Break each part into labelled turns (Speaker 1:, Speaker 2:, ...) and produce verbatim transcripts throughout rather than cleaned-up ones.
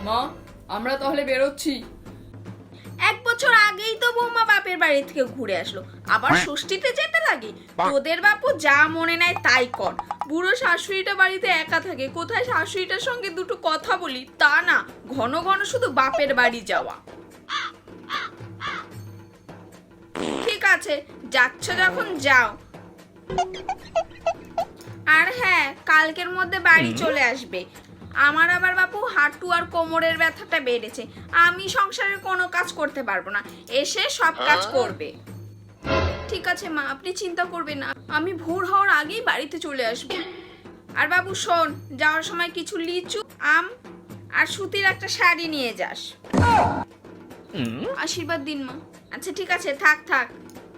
Speaker 1: মা, আমরা তাহলে বেরোচ্ছি।
Speaker 2: এক বছর আগেই তো বৌমা বাপের বাড়ি থেকে ঘুরে আসলো, আবার ষষ্ঠীতে যেতে লাগে। তোদের বাপু যা মনে নেয় তাই কর। বুড়ো শাশুড়িটা বাড়িতে একা থাকে, কোথায় শাশুড়িটার সঙ্গে দুটো কথা বলি তা না, ঘন ঘন শুধু বাপের বাড়ি যাওয়া। ঠিক আছে, যাচ্ছ যখন যাও। আর হ্যাঁ, কালকের মধ্যে বাড়ি চলে আসবে। আমার আবার বাপু হাঁটু আর কোমরের ব্যথাটা বেড়েছে, আমি সংসারের কোনো কাজ করতে পারবো না, এসে সব কাজ করবে। ঠিক আছে মা, আপনি চিন্তা করবেন না, আমি ভোর হওয়ার আগেই বাড়িতে চলে আসবো। আর বাবু শোন, যাওয়ার সময় কিছু লিচু, আম আর সুতির একটা শাড়ি নিয়ে যাস। আশীর্বাদ দিন মা। আচ্ছা ঠিক আছে, থাক থাক।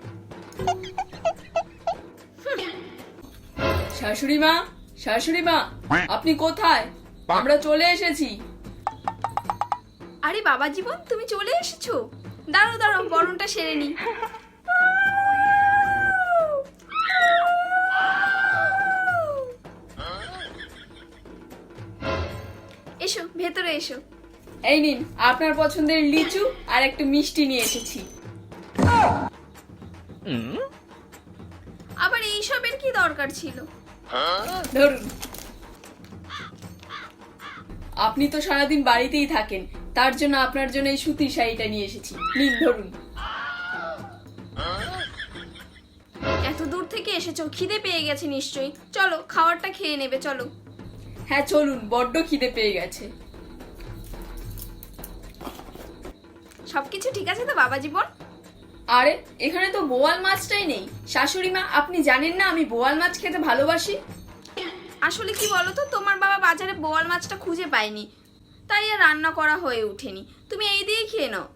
Speaker 1: শাশুড়ি মা, শাশুড়ি মা, আপনি কোথায়? আমরা চলে এসেছি।
Speaker 2: আরে বাবা জীবন, তুমি চলে এসেছো? দাঁড়াও দাঁড়াও, বরণটা সেরে নি। এসো ভেতরে এসো।
Speaker 1: এই নিন আপনার পছন্দের লিচু আর একটু মিষ্টি নিয়ে এসেছি।
Speaker 2: আবার এইসবের কি দরকার ছিল?
Speaker 1: ধরুন। আপনি তো সারাদিন বাড়িতেই থাকেন, তার জন্য আপনার জন্য এই সুতির শাড়িটা নিয়ে এসেছি। নিন ধরুন।
Speaker 2: এত দূর থেকে এসেছো, খিদে পেয়ে গেছে নিশ্চয়ই। চলো খাবারটা খেয়ে নেবে, চলো।
Speaker 1: হ্যাঁ চলুন, বড্ড খিদে পেয়ে গেছে।
Speaker 2: সবকিছু ঠিক আছে তো বাবা জীবন?
Speaker 1: আরে এখানে তো বোয়াল মাছটাই নেই। শাশুড়ি মা, আপনি জানেন না আমি বোয়াল মাছ খেতে ভালোবাসি।
Speaker 2: আসলে কি বলতো, তোমার বাবা বাজারে বোয়াল মাছটা খুঁজে পায়নি, তাই আর রান্না করা হয়ে ওঠেনি। তুমি এই দিয়ে খেয়ে নাও।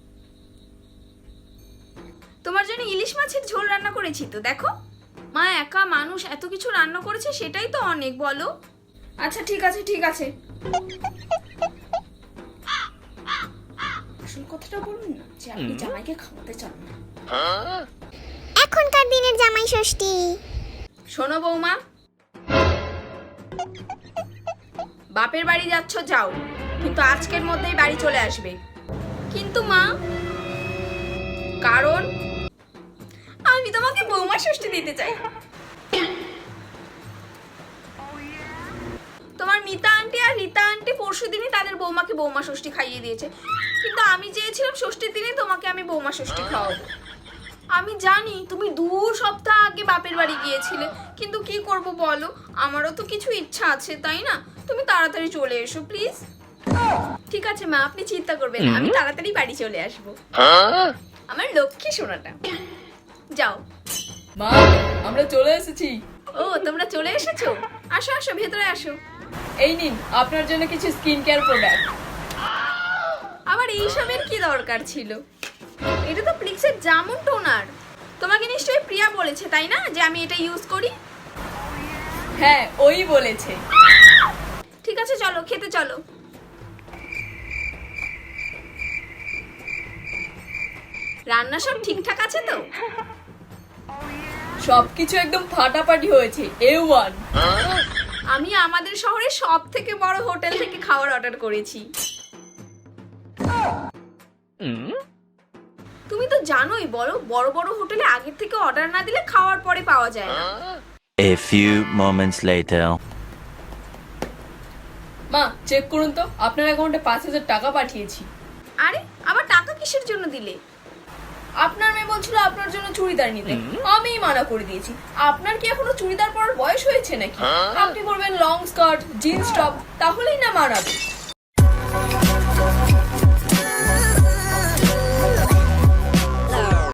Speaker 2: তোমার জন্য ইলিশ মাছের ঝোল রান্না করেছি তো, দেখো। মা একা মানুষ এত কিছু রান্না করেছে, সেটাই তো অনেক, বলো।
Speaker 1: আচ্ছা ঠিক আছে ঠিক আছে। আসল কথাটা বলুন না যে আপনি জামাইকে খাওয়াতে চান না।
Speaker 3: এখনকার দিনের জামাই ষষ্ঠী।
Speaker 2: শোনো বৌমা, বাপের বাড়ি যাচ্ছ যাও, কিন্তু আজকের মধ্যেই বাড়ি চলে আসবে। কিন্তু মা, কারণ আমি তোমাকে বৌমা ষষ্ঠী দিতে চাই। তোমার মিতা আন্টি আর রীতা আন্টি পরশু দিনই তাদের বৌমাকে বৌমা ষষ্ঠী খাইয়ে দিয়েছে, কিন্তু আমি চেয়েছিলাম ষষ্ঠীর দিনে তোমাকে আমি বৌমা ষষ্ঠী খাওয়াবো। আমি জানি তুমি দু সপ্তাহ আগে বাপের বাড়ি গিয়েছিলে, কিন্তু কি করব বলো, আমারও তো কিছু ইচ্ছা আছে তাই না? তুমি তাড়াতাড়ি চলে এসো প্লিজ। ঠিক আছে মা, আপনি চিন্তা করবেন না, আমি তাড়াতাড়ি বাড়ি চলে আসবো। আমার লক্ষ্মী সোনাটা। যাও।
Speaker 1: মা, আমরা চলে এসেছি।
Speaker 2: ও তোমরা চলে এসেছো, আসো আসো ভেতরে আসো।
Speaker 1: এই নিন আপনার জন্য কিছু স্কিন কেয়ার প্রোডাক্ট।
Speaker 2: আবার এইসবের কি দরকার ছিল? এটা তো প্লিক্সের জামুন টোনার। তোমাকে নিশ্চয়ই প্রিয়া বলেছে তাই না যে আমি এটা ইউজ করি?
Speaker 1: হ্যাঁ ওই বলেছে।
Speaker 2: ঠিক আছে চলো খেতে চলো। রান্না সব ঠিকঠাক আছে তো?
Speaker 1: সবকিছু একদম ফাটাফাটি হয়েছে, এ ওয়ান।
Speaker 2: আমি আমাদের শহরে সব থেকে বড় হোটেল থেকে খাবার অর্ডার করেছি। তুমি তো জানোই, বড় বড় বড় হোটেলে আগের থেকে অর্ডার না দিলে খাওয়ার পরে পাওয়া যায় না।
Speaker 4: A few moments later.
Speaker 1: মা চেক করুন তো, আপনার অ্যাকাউন্টে পাঁচ হাজার টাকা পাঠিয়েছি।
Speaker 2: আরে আবার টাকা কিসের জন্য দিলে?
Speaker 1: আপনার মেয়ে বলছিল আপনার জন্য চুড়িদার নিতে, আমিই মানা করে দিয়েছি। আপনার কি এখনো চুড়িদার পরার বয়স হয়েছে নাকি? আপনি পরবেন লং স্কার্ট, জিন্স টপ, তাহলেই না মানাবে।